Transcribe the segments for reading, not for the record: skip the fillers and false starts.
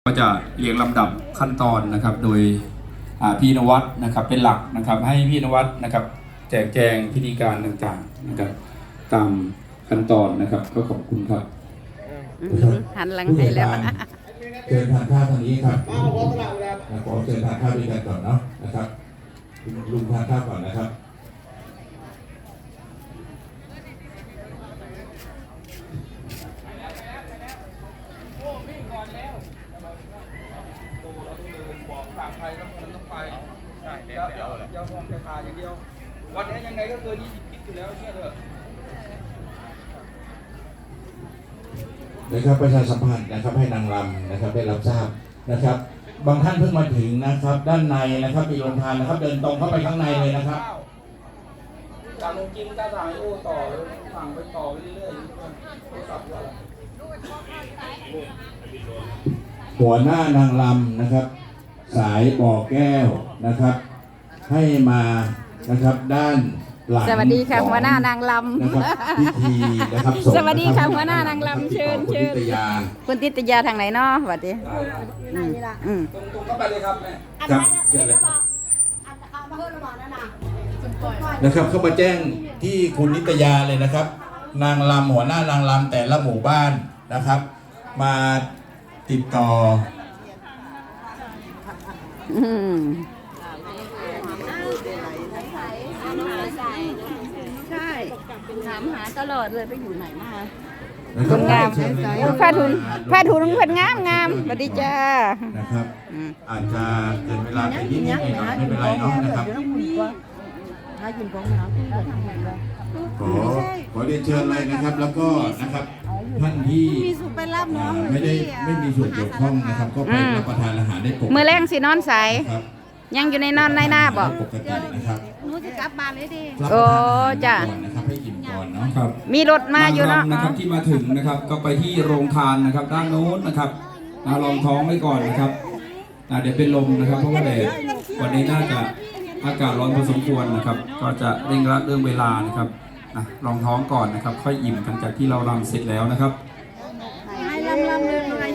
ก็จะเรียงลำดับขั้นตอนนะครับโดยพี่นวัดนะครับเป็นหลักนะครับให้พี่นวัดนะครับแจกแจงพิธีการต่างๆนะครับตามขั้นตอนนะครับก็ขอบคุณครับหันหลังให้แล้วเชิญทานข้าวทางนี้ครับขอเชิญทานข้าวด้วยกันก่อนเนาะนะครับลุงทานข้าวก่อนนะครับยาวมองแต่ขาอย่างเดียววันนี้ยังไงก็เกิน20 คิดอยู่แล้วเชื่อเถอะนะครับประชาสัมพันธ์นะครับให้นางรำนะครับได้รับทราบนะครับบางท่านเพิ่งมาถึงนะครับด้านในนะครับมีโรงทานนะครับเดินตรงเข้าไปข้างในเลยนะครับจากลงกินก็ถ่ายโอ้ต่อเลยสั่งไปต่อไปเรื่อยๆโทรศัพท์ว่าหัวหน้านางรำนะครับสายบ่อแก้วนะครับให้มานะครับด้านหลังสวัสดีค่ะหัวหน้านางลำพิธีนะครับสวัสดีค่ะหัวหน้านางลำเชิญคุณติตยาทางไหนเนาะสวัสดีตรงเข้าไปเลยครับแม่ครับเชิญเลยนะครับเข้ามาแจ้งที่คุณนิตยาเลยนะครับนางรำหัวหน้านางรำแต่ละหมู่บ้านนะครับมาติดต่อใช่ถามหาตลอดเลยไปอยู่ไหนมาคนงามผ้าถุงเพิ่นงามสวัสดีจ้านะครับอาจจะเกินเวลาไปนิดหน่อยไม่เป็นไรเนาะนะครับขอเรียนเชิญเลยนะครับแล้วก็นะครับท่านที่ไม่มีส่วนเกี่ยวข้องนะครับก็ไปรับประทานอาหารได้ปกติมื้อแรงสินอนใสยังอยู่ในนอนในหน้าบอกปกตินะครับหนูจะกลับบ้านเลยดิโอ้จ้ะนะครับให้อิ่มก่อนเนาะครับมีรถมาอยู่เนาะนะครับที่มาถึงนะครับก็ไปที่โรงทานนะครับด้านโน้นนะครับลองท้องไว้ก่อนนะครับเดี๋ยวเป็นลมนะครับเพราะว่าแดดวันนี้น่าจะอากาศร้อนพอสมควรนะครับก็จะเร่งรัดเรื่องเวลานะครับลองท้องก่อนนะครับค่อยอิ่มหลังจากที่เรารำเสร็จแล้วนะครับให้ลำเลยหน่อย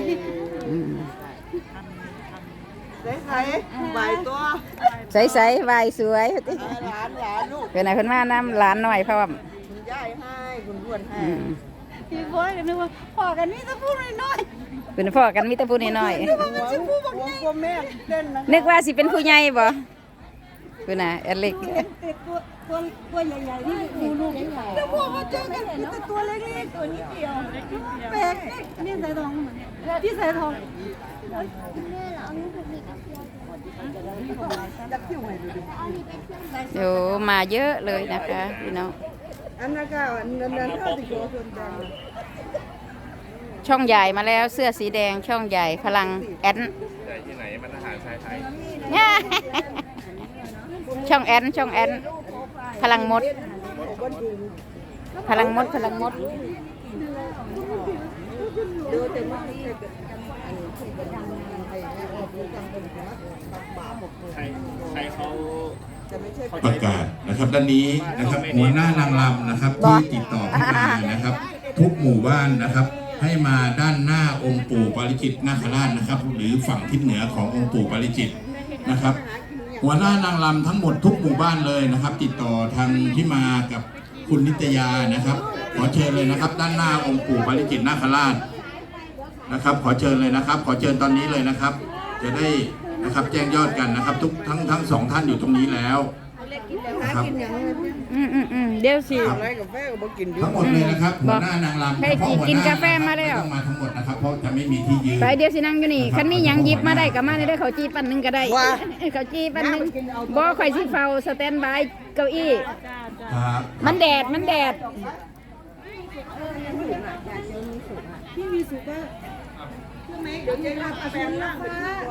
ใส่ใบตัวใส่ใบสวยหลานลูกเป็นไหนเพิ่นมาน้ำหลานหน่อยพร้อมคุณยายให้คุณพ่วนให้พี่พ่อกันนึกว่าพ่อกันนี่จะพูดน้อยเป็นพ่อกันมีแต่พูดน้อยนึกว่าสิเป็นผู้ใหญ่บ่เป็นน่ะเอลิกตัวใหญ่ๆนี่ลูกใหญ่แล้วพวกมาเจอกันแต่ตัวเล็กๆตัวนี้เดียวแปลกนี่ใส่ทองที่ใส่ทองเดี๋ยวมาเยอะเลยนะคะพี่น้องอันนั้นก็นั้นเท่าที่ตัวคนดังช่องใหญ่มาแล้วเสื้อสีแดงช่องใหญ่พลังแอนที่ไหนมันอาหารชายไทยช่องแอนพลังมดประกาศนะครับด้านนี้นะครับหัวหน้านางรำนะครับที่ติดต่อเข้ามานะครับทุกหมู่บ้านนะครับให้มาด้านหน้าองค์ปู่ปาริจิตนาคราชนะครับหรือฝั่งทิศเหนือขององค์ปู่ปาริจิตนะครับหัวหน้านางรำทั้งหมดทุกหมู่บ้านเลยนะครับติดต่อทางที่มากับคุณนิตยานะครับขอเชิญเลยนะครับด้านหน้าองค์ปู่ปาริจิตนาคราชนะครับขอเชิญเลยนะครับขอเชิญตอนนี้เลยนะครับจะได้นะครับแจ้งยอดกันนะครับทุกทั้งสองท่านอยู่ตรงนี้แล้วนะครับเดี๋ยวสิทั้งหมดเลยนะครับหัวหน้านางรำให้กินกาแฟมาแล้วต้องมาทั้งหมดนะครับเพราะจะไม่มีที่ยืนไปเดี๋ยวสินั่งอยู่นี่คันมีหยังหยิบมาได้ก็มาได้เขาจีปั่นนึงก็ได้เขาจีปั่นนึงบ่ค่อยสิเฝ้าสแตนบายเก้าอี้มันแดดพี่มีสุกอะเดี๋ยวจะรับแฟนล่าง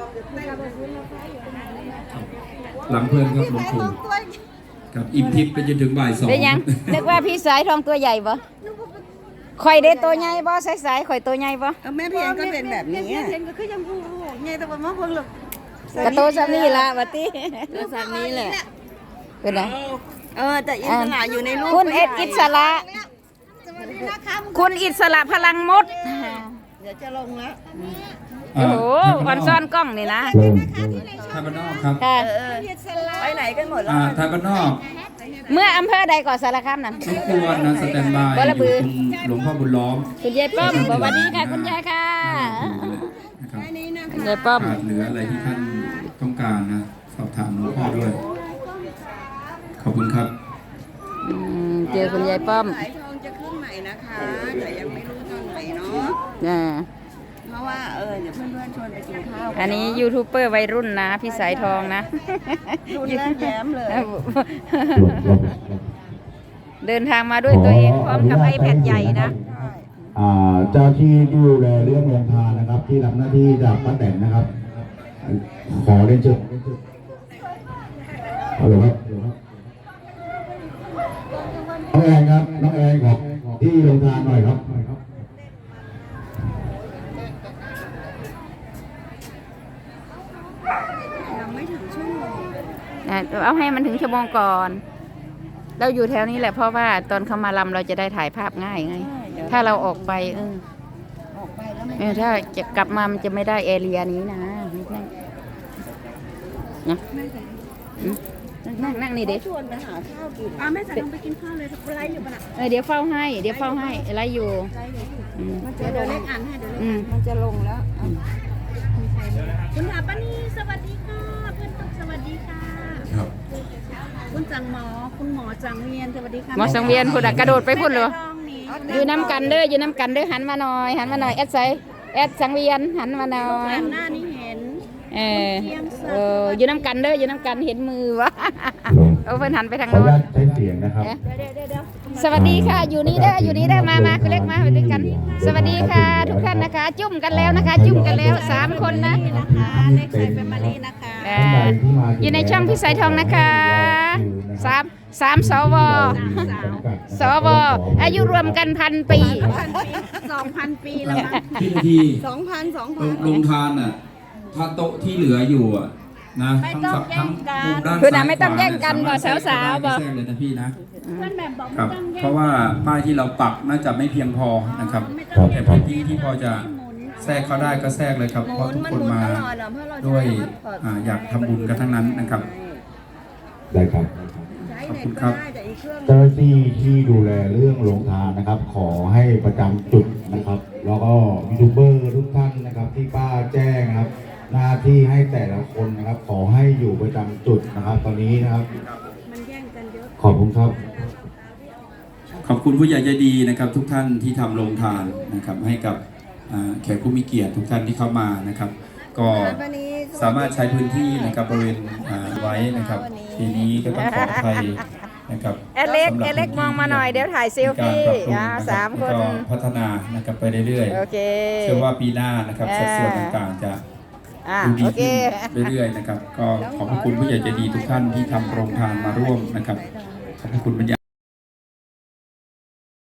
หลังเพื่อนครับหลวงปู่กับอิ่มทิพย์ไปจนถึงบ่าย2 ได้ยังนึกว่าพี่สายทองตัวใหญ่บ่ข่อยได้ตัวใหญ่บ่สายข่อยตัวใหญ่บ่แม่เพียงก็เป็นแบบนี้เพียงก็คือยังผู้ใหญ่แต่ว่ามาเพิ่งหรอกกระโตซานี่ละบัดนี้ตัวซานี้แหละเป็นไงแต่อิสระอยู่ในรูปคุณอิสระคุณอิสระพลังมดเดี๋ยวจะลงแล้วโอ้โหอ่อนซ่อนกล้องนี่นะไทยบ้านนอกครับค่ะไปไหนกันหมดแล้วไทยบ้านนอกเมื่ออำเภอใดก่อนสารคามนั่นรบกวนนะสแตนบายบ่ระบือคุณหลวงพ่อบุญล้อมคุณยายป้อมสวัสดีค่ะคุณยายค่ะนะครับคุณยายป้อมขาดเหลืออะไรที่ท่านต้องการนะสอบถามหลวงพ่อด้วย ขอบคุณครับเจอคุณยายป้อมสายทองจะขึ้นใหม่นะคะแต่ยังไม่รู้ตอนไหนเนาะอ่าเพราะว่าเดี๋ยวเพื่อนๆชวนไปกินข้าวอันนี้ยูทูบเบอร์วัยรุ่นนะพี่สายทองนะรุ่นแรกแย้มเลยเดินทางมาด้วยตัวเองพร้อมกับไอแพดใหญ่นะเจ้าที่ดูแลเรื่องโรงทานนะครับ ที่รับหน้าที่จากป้าแตนนะครับ ขอเรียนเชิญฮัลโหลครับน้องแอนครับน้องแอนครับที่โรงทานหน่อยครับยังไม่ถึงชั่วโมงเอาให้มันถึงชั่วโมงก่อน เราอยู่แถวนี้แหละเพราะว่าตอนเขามาลำเราจะได้ถ่ายภาพง่ายไง ถ้าเราออกไปออกไปแล้วไม่ถ้าจะกลับมามันจะไม่ได้แอเรียนี้นะนั่งนี่เด็กชวนไปหาข้าวกินแม่สายทองไปกินข้าวเลยไลฟ์อยู่ปะน่ะเดี๋ยวเฝ้าให้อะไรอยู่อืมเดี๋ยวเล็กอ่านให้เดี๋ยวเล็กอืมมันจะลงแล้วคุณถาปานีสวัสดีค่ะเพื่อนตุ๊กสวัสดีค่ะครับคุณจังหมอคุณหมอจังเวียนสวัสดีค่ะหมอสังเวียนผู้ดักกระโดดไปพุ่นเลยทองนี่อยู่น้ำกันเด้อหันมาหน่อยแอดไซแอดสังเวียนหันมาหน่อยหน้านี่เห็นอยู่น้ำกันเด้ออยู่น้ำกันเห็นมือวะเอาเพิ่นหันไปทางขออนุโน้นญาตใช้เสียงนะครับสวัสดีค่ะอยู่นี่เด้อมาคุณเล็กมาไปด้วยกัน สวัสดีค่ะ ทุกท่านนะคะ จุ่มกันแล้วนะคะ จุ่มกันแล้ว3 คนนะนะคะเล็กใส่เป็นมะลินะคะอยู่ในช่องพี่สายทองนะคะสามสวอายุรวมกัน1,000 ปี 2,000 ปีแล้วมั้งพี่นาที 2,000 ลงทานอ่ะ ถ้าโต๊ะที่เหลืออยู่อ่ะนะทั้งมุมด้านคือซ้ายไม่ต้องแย่งกันขบ่วสาวๆบ่แทรกเลยนะพี่นะเพื่อนแบบบอกครับ เพราะว่าป้ายที่เราปักน่าจะไม่เพียงพอนะครับครับแต่พื้นที่ที่พอจะแทรกเข้าได้ก็แทรกเลยครับ เพราะทุกคนมาด้วยอยากทำบุญกันทั้งนั้นนะครับได้ครับขอบคุณครับเจ้าหน้าที่ที่ดูแลเรื่องโรงทานนะครับ ขอให้ประจำจุดนะครับ แล้วก็ยูทูบเบอร์ทุกท่านนะครับ ที่ป้าแจ้งนะครับ หน้าที่ให้แต่ละคนนะครับ ขอให้อยู่ประจำจุดนะครับ ตอนนี้นะครับมันแย่งกันเยอะขอบคุณครับขอบคุณผู้ใหญ่ใจดีนะครับ ทุกท่านที่ทำโรงทานนะครับ ให้กับแขกผู้มีเกียรติทุกท่านที่เข้ามานะครับ ก็สามารถใช้พื้นที่นะครับบริเวณไว้นะครับทีนี้ก็ต้องขออภัยนะครับเอเล็กมองมาหน่อยเดี๋ยวถ่ายเซลฟี่ 3 คนก็พัฒนานะครับไปเรื่อยโอเคๆเชื่อว่าปีหน้านะครับสัดส่วนต่างๆจะดูดีโอเคขึ้นเรื่อยๆนะครับ ก็ขอบพระคุณผู้ใหญ่ใจดีทุกท่านที่ทำโรงทานมาร่วมนะครับขอบพระคุณบรรยา